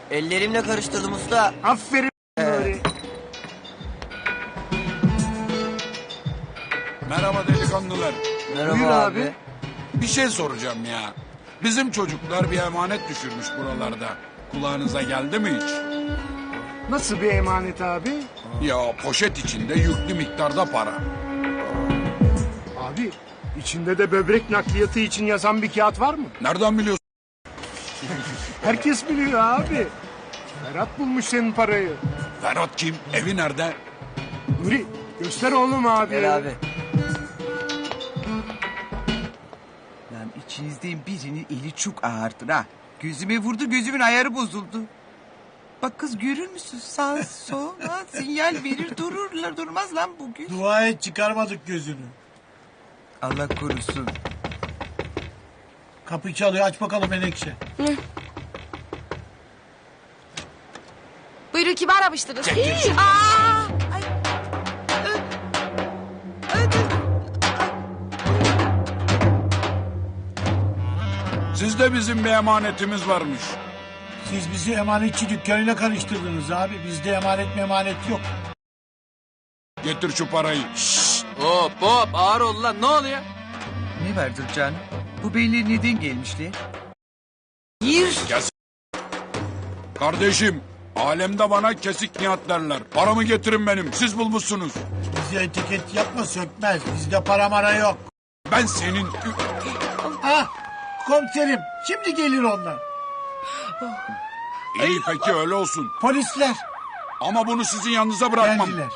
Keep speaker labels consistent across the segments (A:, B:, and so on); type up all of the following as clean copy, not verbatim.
A: Ellerimle karıştırdım usta.
B: Aferin Nuri.
C: Merhaba delikanlılar.
A: Merhaba
B: Buyur
A: abi.
B: abi.
C: Bir şey soracağım ya. Bizim çocuklar bir emanet düşürmüş buralarda. Kulağınıza geldi mi hiç?
B: Nasıl bir emanet abi?
C: Ya poşet içinde yüklü miktarda para.
B: Abi içinde de böbrek nakliyatı için yazan bir kağıt var mı?
C: Nereden biliyorsun?
B: Herkes biliyor abi. Ferhat bulmuş senin parayı.
C: Ferhat kim? Evi nerede?
B: Nuri göster oğlum abi.
A: Gel abi.
D: Lan içinizden birinin eli çok ağırdır ha. Gözüme vurdu, gözümün ayarı bozuldu. Bak kız görür müsün? Sağ sol ha, sinyal verir dururlar, durmaz lan bugün.
E: Dua et çıkarmadık gözünü.
D: Allah korusun.
E: Kapı çalıyor, aç bakalım Menekşe.
F: Buyurun kimi aramıştınız? Ay.
C: Sizde bizim bir emanetimiz varmış.
E: Siz bizi emanetçi dükkanıyla karıştırdınız abi. Bizde emanet yok.
C: Getir şu parayı.
G: Hop hop ağır ol lan ne oluyor?
D: Ne vardır canım? Bu beyler neden gelmişler?
C: Kardeşim, alemde bana kesik nihat derler. Paramı getirin benim. Siz bulmuşsunuz.
E: Bize etiket yapma sökmez. Bizde para mara yok.
C: Ben senin...
E: Ah komiserim şimdi gelir onlar.
C: İyi peki öyle olsun.
E: Polisler
C: Ama bunu sizin yanınıza bırakmam.
E: geldiler.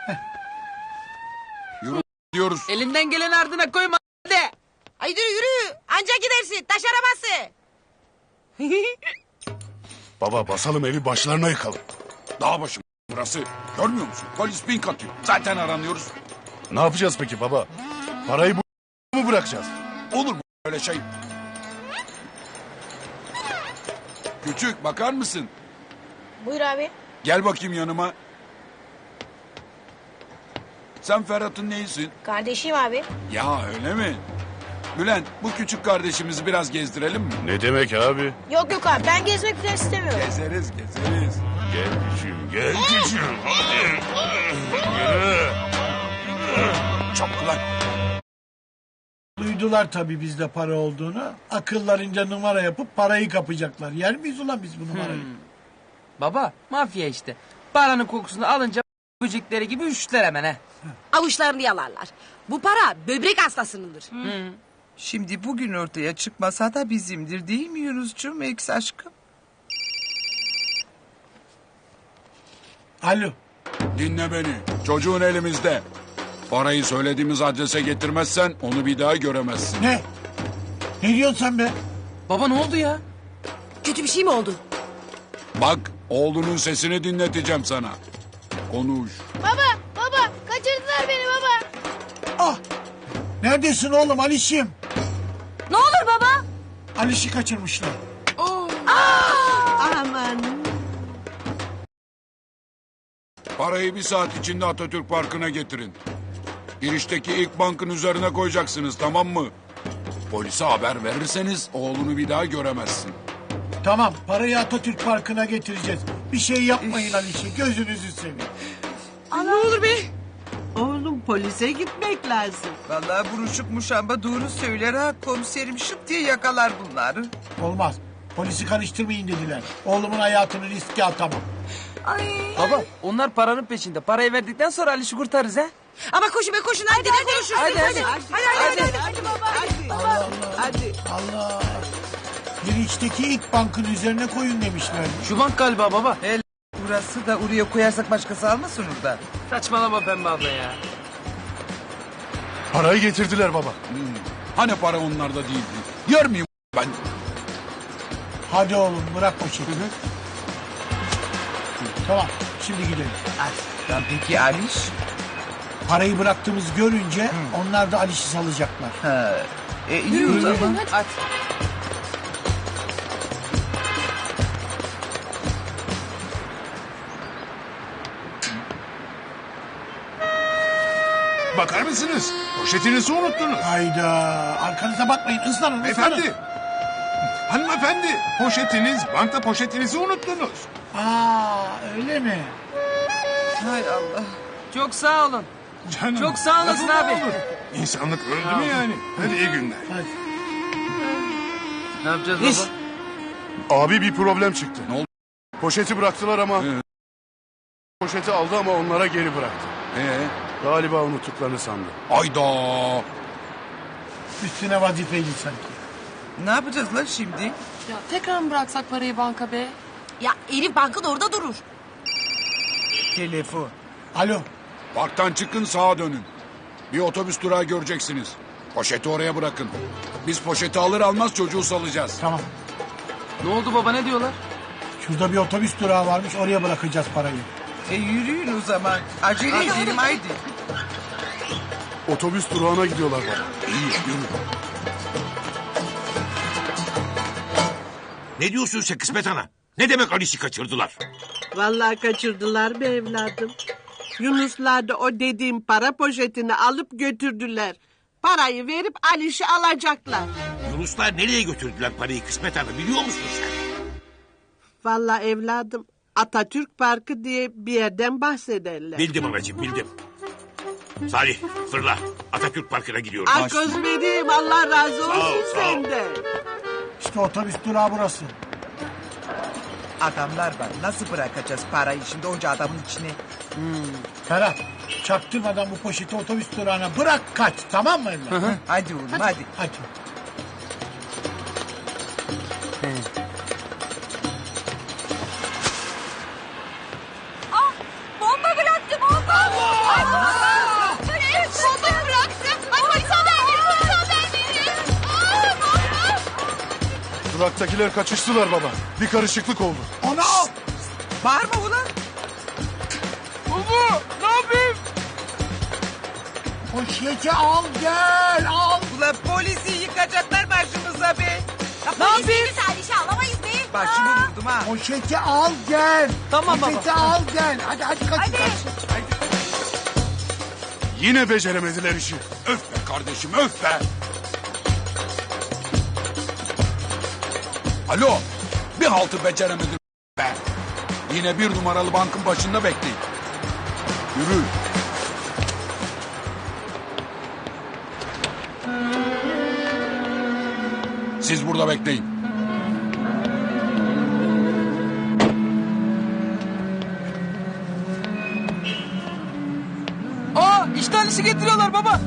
C: Diyoruz.
G: Elinden gelen ardına koyma hadi.
F: Ay yürü. Anca gidersin. Taş arabası.
H: Baba basalım evi başlarına yıkalım.
C: Dağ başım burası. Görmüyor musun? Polis pink atıyor. Zaten aranıyoruz.
H: Ne yapacağız peki baba? Parayı bu mu bırakacağız?
C: Olur mu öyle şey? Küçük bakar mısın?
F: Buyur abi.
C: Gel bakayım yanıma. Sen Ferhat'ın neyisin?
F: Kardeşim abi.
C: Ya öyle mi? Bülent bu küçük kardeşimizi biraz gezdirelim mi?
H: Ne demek abi?
F: Yok abi ben gezmek falan istemiyorum.
C: Gezeriz.
H: Gel küçüğüm gel küçüğüm. Hadi. Yürü.
C: Çabuk lan.
E: Duydular tabii bizde para olduğunu. Akıllarınca numara yapıp parayı kapacaklar. Yer miyiz ulan biz bu numarayı?
G: Baba mafya işte. Paranın kokusunu alınca böcekleri gibi üşütler hemen he.
F: Avuçlarını yalarlar. Bu para böbrek hastasınındır.
D: Şimdi bugün ortaya çıkmasa da bizimdir değil mi Yunus'cum eks aşkım?
E: Alo.
C: Dinle beni. Çocuğun elimizde. Parayı söylediğimiz adrese getirmezsen onu bir daha göremezsin.
E: Ne? Ne diyorsun sen be?
G: Baba ne oldu ya?
F: Kötü bir şey mi oldu?
C: Bak oğlunun sesini dinleteceğim sana. Konuş.
F: Baba kaçırdılar beni baba.
E: Ah! Neredesin oğlum Alişim?
F: Ne olur baba.
E: Aliş'i kaçırmışlar.
C: Parayı bir saat içinde Atatürk Parkı'na getirin. Girişteki ilk bankın üzerine koyacaksınız tamam mı? Polise haber verirseniz oğlunu bir daha göremezsin.
E: Tamam parayı Atatürk Parkı'na getireceğiz. Bir şey yapmayın Aliş'i gözünüzü seveyim.
F: Ne olur be.
I: Oğlum polise gitmek lazım.
D: Vallahi buruşuk muşamba doğru söyler ha. Komiserim şıp diye yakalar bunları.
E: Olmaz. Polisi karıştırmayın dediler. Oğlumun hayatını riske atamam.
G: Baba onlar paranın peşinde. Parayı verdikten sonra Aliş'i kurtarırız he.
F: Ama koşun be koşun. Hadi konuşuruz.
I: Hadi baba. Hadi.
E: Allah! Girişteki ilk bankın üzerine koyun demişler.
G: Şu bank galiba baba.
D: El burası da oraya koyarsak başkası almasın orada.
G: Saçmalama Pembe abla ya.
H: Parayı getirdiler baba.
C: Hani para onlarda değildi? Yer miyim ben?
E: Hadi oğlum bırak poşeti. Tamam şimdi gidelim.
D: Lan peki Aliş?
E: Parayı bıraktığımızı görünce onlar da Aliş'i salacaklar.
D: Ha, iyi o zaman.
G: Hadi.
H: Bakar mısınız? Poşetinizi unuttunuz.
E: Hayda arkanıza bakmayın ıslanın ıslanın.
H: Beyefendi.
B: Hanımefendi poşetiniz, banka poşetinizi unuttunuz.
E: Aa öyle mi?
D: Hay Allah.
G: Çok sağ olun.
B: Canım,
G: Çok sağ olasın
B: lafı mı
G: abi.
B: olur? İnsanlık öldü mü yani? Hadi iyi günler.
E: Hadi.
G: Ne yapacağız
D: İş.
G: baba?
H: Abi bir problem çıktı.
C: Ne oldu?
H: Poşeti bıraktılar ama... Poşeti aldı ama onlara geri bıraktı. Galiba unuttuklarını sandı.
C: Ayda.
E: Üstüne vazifeydi sanki.
D: Ne yapacağız lan şimdi?
J: Ya tekrar mı bıraksak parayı banka be?
F: Ya Elif bankın orada durur.
D: Telefon.
E: Alo.
C: Parktan çıkın sağa dönün. Bir otobüs durağı göreceksiniz. Poşeti oraya bırakın. Biz poşeti alır almaz çocuğu salacağız.
E: Tamam.
G: Ne oldu baba ne diyorlar?
E: Şurada bir otobüs durağı varmış oraya bırakacağız parayı.
D: Yürüyün o zaman. Acele edelim haydi.
H: Otobüs durağına gidiyorlar baba.
C: İyi yürü.
K: Ne diyorsun sen Kısmet Ana? Ne demek Alice'i kaçırdılar?
I: Vallahi kaçırdılar be evladım. Yunuslar da o dediğim para poşetini alıp götürdüler. Parayı verip Aliş'i alacaklar.
K: Yunuslar nereye götürdüler parayı Kısmet Ana biliyor musun sen?
I: Vallahi evladım Atatürk Parkı diye bir yerden bahsederler.
K: Bildim anacığım bildim. Salih fırla Atatürk Parkı'na gidiyoruz.
I: Ay kız benim Allah razı
K: Sağ ol,
I: olsun
K: sağ ol.
I: senden.
E: İşte otobüs durağı burası.
D: Adamlar var. Nasıl bırakacağız parayı şimdi onca adamın içine?
E: Ferhat çaktırmadan bu poşeti otobüs durağına bırak kaç tamam mı evlat?
D: Hadi oğlum hadi.
E: Hadi.
F: Bomba bıraktı bomba. Evet bomba bıraktı. Ay polis haber verin polis haber verin. Bomba.
H: Duraktakiler kaçıştılar baba. Bir karışıklık oldu.
E: Onu al.
D: Bağırma ulan.
G: Baba ne yapayım?
E: Poşeti al gel al.
D: Ulan polisi yıkacaklar başımıza be.
F: Ne yapayım? Aliş'i alamayız be.
D: Başımı vurdum ha.
E: Poşeti al gel.
G: Tamam baba.
E: Poşeti al gel. Hadi kaç.
H: Yine beceremediler işi.
C: Öf be kardeşim öf be. Alo. Bir haltı beceremedim be. Yine bir numaralı bankın başında bekleyin. Yürü. Siz burada bekleyin.
G: Aa işte Alice'i getiriyorlar baba.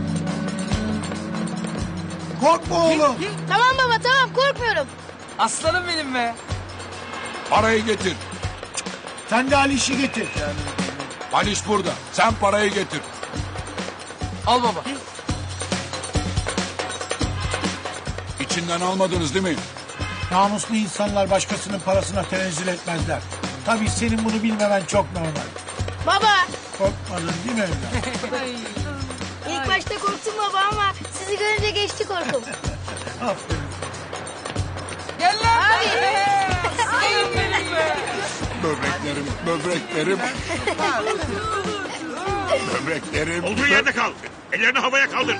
E: Korkma oğlum.
J: Tamam baba tamam korkmuyorum.
G: Aslanım benim be.
C: Parayı getir.
E: Sen de Ali işi getir.
C: Aliş burada. Sen parayı getir.
G: Al baba.
C: İçinden almadınız değil mi?
E: Namuslu insanlar başkasının parasına tenezzül etmezler. Tabii senin bunu bilmemen çok normal.
J: Baba
E: Korkmadın değil mi evlat?
J: ilk başta korktum baba ama sizi görünce geçti korkum.
E: Aferin.
G: Gel lan. Aslanım benim be.
C: Böbreklerim, böbreklerim. Böbreklerim.
K: Olduğu yerde kal. Ellerini havaya kaldır.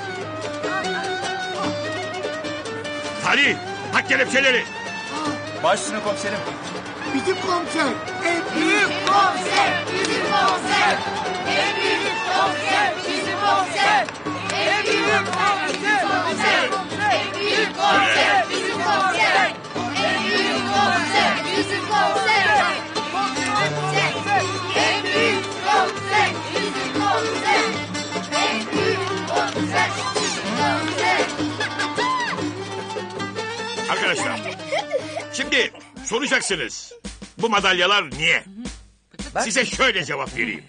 K: Salih tak kelepçeleri.
A: Başüstüne komiserim.
E: Bizim komiser. En büyük.
J: Komiser bizim komiser. En büyük komiser bizim komiser. En büyük komiser komiser. En büyük komiser bizim komiser. En büyük komiser bizim komiser. En büyük komiser bizim komiser. En büyük komiser bizim komiser.
K: Arkadaşlar şimdi soracaksınız. Bu madalyalar niye? Size şöyle cevap vereyim.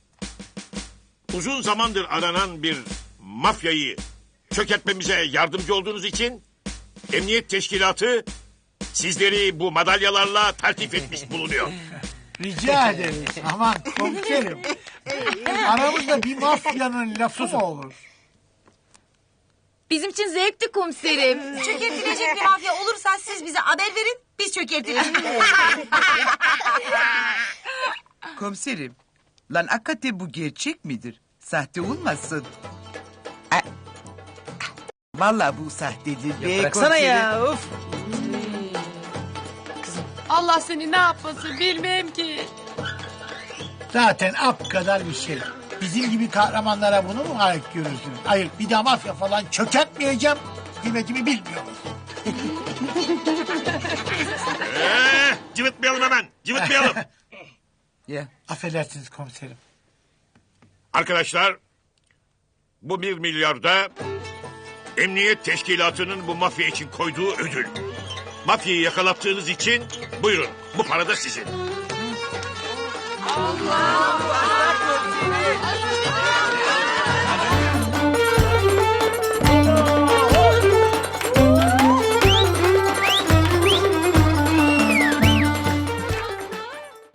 K: Uzun zamandır aranan bir mafyayı çökertmemize yardımcı olduğunuz için Emniyet Teşkilatı sizleri bu madalyalarla tertip etmiş bulunuyor.
E: Rica ederiz. Aman komiserim. Aramızda bir mafyanın lafı mı olur?
F: Bizim için zevkti komiserim. Çökertilecek bir mafya olursa siz bize haber verin. Biz çökertiriz.
D: Komiserim. Lan hakikaten bu gerçek midir? Sahte olmasın. Vallahi bu sahtedir be
G: Bıraksana
D: komiserim.
G: ya of.
J: Allah seni ne yapmasın bilmem ki.
E: Zaten ap kadar bir şey. Bizim gibi kahramanlara bunu mu layık görürsünüz? Hayır, bir daha mafya falan çökertmeyeceğim. Kıymetimi bilmiyoruz.
K: Cıvıtmayalım hemen. Cıvıtmayalım.
G: Ya.
E: Affedersiniz komiserim.
K: Arkadaşlar, bu 1 milyarda emniyet teşkilatının bu mafya için koyduğu ödül. Mafyayı yakalattığınız için buyurun, bu para da sizin.
J: Allah